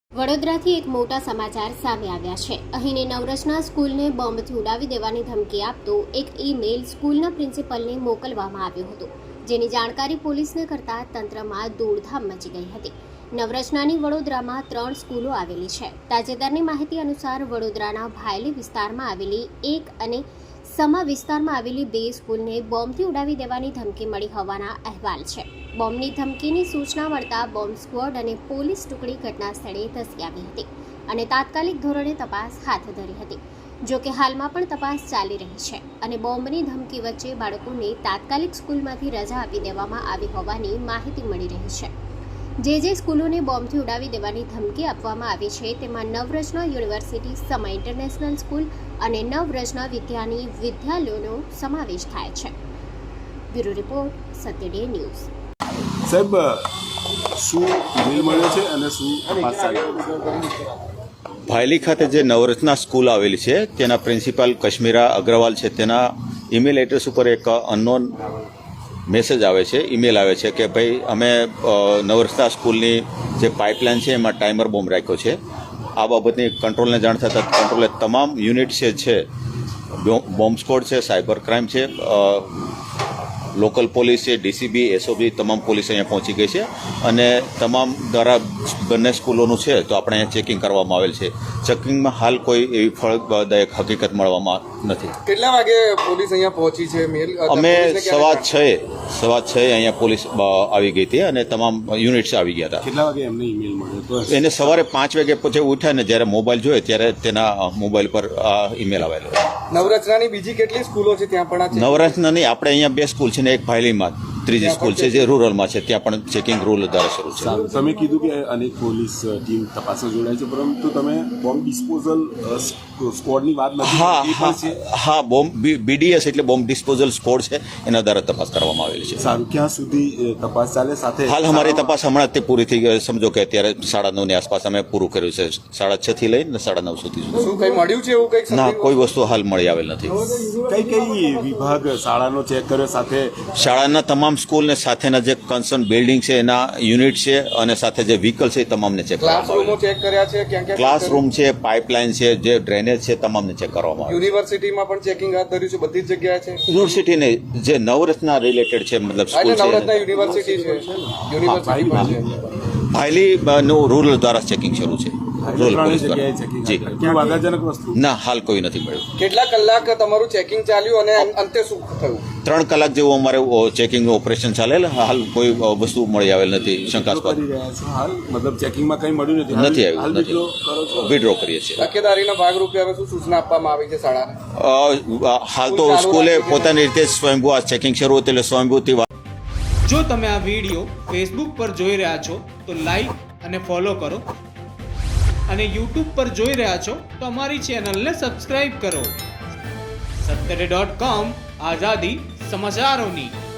વડોદરાથી એક મોટા સમાચાર સામે આવ્યા છે। અહીંની નવરચના સ્કૂલને બોમ્બથી ઉડાવી દેવાની ધમકી આપતો એક ઈમેલ સ્કૂલના પ્રિન્સિપલને મોકલવામાં આવ્યો હતો, જેની જાણકારી પોલીસને કરતા તંત્રમાં દોડધામ મચી ગઈ હતી। નવરચનાની વડોદરામાં 3 સ્કૂલો આવેલી છે। તાજેતરની માહિતી અનુસાર વડોદરાના ભાયલી વિસ્તારમાં આવેલી એક અને સમા વિસ્તારમાં આવેલી 2 સ્કૂલને બોમ્બથી ઉડાવી દેવાની ધમકી મળી હોવાના અહેવાલ છે। બોમ્બની ધમકીની સૂચના મળતા બોમ્બ સ્ક્વોડ અને પોલીસ ટુકડી ઘટના સ્થળે ધસી આવી હતી અને તાત્કાલિક ધોરણે તપાસ હાથ ધરી હતી। જો કે હાલમાં પણ તપાસ ચાલી રહી છે અને બોમ્બની ધમકી વચ્ચે બાળકોને તાત્કાલિક સ્કૂલમાંથી રજા આપી દેવામાં આવી હોવાની માહિતી મળી રહી છે। જે સ્કૂલોને બોમ્બથી ઉડાવી દેવાની ધમકી આપવામાં આવી છે તેમાં Navrachana university, Sama international school અને નવરચના વિદ્યાની વિદ્યાલયોનો સમાવેશ થાય છે। Bureau report, Satya day news. સાહેબ, શું ઈમેલ મળ્યો છે અને શું તપાસ ચાલી રહી છે? ભાયલી ખાતે જે નવરચના સ્કૂલ આવેલી છે તેના પ્રિન્સિપાલ કશ્મીરા અગ્રવાલ છે, તેના ઈમેલ એડ્રેસ ઉપર એક અનનોન મેસેજ આવે છે, ઈમેલ આવે છે કે ભાઈ અમે નવરચના સ્કૂલની જે પાઇપલાઇન છે એમાં ટાઈમર બોમ્બ રાખ્યો છે। આ બાબતની કંટ્રોલને જાણ થતાં કંટ્રોલે તમામ યુનિટ છે, બોમ્બ સ્ક્વોડ છે, સાયબર ક્રાઇમ છે, લોકલ પોલીસ છે, ડીસીબી, એસઓબી, તમામ પોલીસ અહીંયા પહોંચી ગઈ છે અને તમામ દ્વારા બંને સ્કૂલોનું છે તો આપણે અહીંયા ચેકિંગ કરવામાં આવેલ છે। ચેકિંગમાં હાલ કોઈ એવી ફળદાયક હકીકત મળવામાં નથી। કેટલા વાગે પોલીસ અહીંયા પહોંચી છે? અમે સવા 6 અહીંયા પોલીસ આવી ગઈ હતી અને તમામ યુનિટ્સ આવી ગયા હતા। કેટલા વાગે એમને ઈમેલ મળ્યો? એને સવારે 5 વાગે પછી ઉઠ્યા ને જ્યારે મોબાઈલ જોયો ત્યારે તેના મોબાઈલ પર ઈમેલ આવેલો। નવરચનાની બીજી કેટલી સ્કૂલો છે ત્યાં પણ નવરચનાની આપણે અહીંયા 2 સ્કૂલ છે ને એક ભાયલીમાં ત્રીજી સ્કૂલ છે જે રૂરલમાં છે, ત્યાં પણ ચેકિંગ રૂલ દ્વારા શરૂ છે। તમે કીધું કે અનેક પોલીસ ટીમ તપાસમાં જોડાય છે, પરંતુ તમે બોમ્બ ડિસ્પોઝલ સ્ક્વોડની વાત નથી? હા, બોમ્બ બીડીએસ એટલે બોમ્બ ડિસ્પોઝલ સ્ક્વોડ છે, એના દ્વારા તપાસ કરવામાં આવેલી છે। સારું, ક્યાં સુધી તપાસ ચાલે? સાથે હાલ અમારી તપાસ હમણાં તે પૂરી થઈ ગઈ, સમજો કે અત્યારે 9:30 ની આસપાસ અમે પૂરું કર્યું છે, 6:30 થી લઈને 9:30 સુધી। શું કઈ મળ્યું છે એવું કઈ? ના, કોઈ વસ્તુ હાલ મળી આવેલ નથી। કઈ વિભાગ શાળાનો ચેક કર્યો? સાથે શાળાના તમામ સ્કૂલ ને સાથેના જે કન્સર્ન બિલ્ડિંગ છે એના યુનિટ છે અને સાથે જે વ્હીકલ છે એ તમામને ચેક ક્લાસરૂમો ચેક કર્યા છે? ક્યાં ક્લાસરૂમ છે, પાઇપલાઇન છે, જે ડ્રેનેજ છે, તમામને ચેક કરવામાં આવે। યુનિવર્સિટીમાં પણ ચેકિંગ હાથ ધર્યું છે? બધી જ જગ્યાએ છે? યુનિવર્સિટીને જે નવરત્ના રિલેટેડ છે, મતલબ સ્કૂલ છે, નવરત્ના યુનિવર્સિટી છે, યુનિવર્સિટી પણ છે। ભાયલી નું રૂરલ દ્વારા ચેકિંગ શરૂ છે, રૂરલ પોલીસ દ્વારા। જી, ક્યાં વાદાજનક વસ્તુ? ના, હાલ કોઈ નથી મળ્યું। કેટલા કલાક તમારું ચેકિંગ ચાલ્યું અને અંતે શું થયું? 3 કલાક જેવું અમારે ચેકિંગનું ઓપરેશન ચાલેલ, હાલ કોઈ વસ્તુ મળી આવેલ નથી શંકાસ્પદ। હાલ મતલબ ચેકિંગમાં કંઈ મળ્યું નથી આવ્યું, નથી વિડ્રો કરીએ છીએ। તકેદારીના ભાગરૂપે હવે શું સૂચના આપવામાં આવી છે શાળાને? હાલ તો સ્કૂલે પોતાની રીતે સ્વયંભૂ આ ચેકિંગ શરૂ હતું એટલે સ્વયંભૂથી જો તમે આ વિડીયો ફેસબુક પર જોઈ રહ્યા છો તો લાઈક અને ફોલો કરો અને યુટ્યુબ પર જોઈ રહ્યા છો તો અમારી ચેનલને સબસ્ક્રાઇબ કરો। સત્તરે.com, આઝાદી સમાચારોની।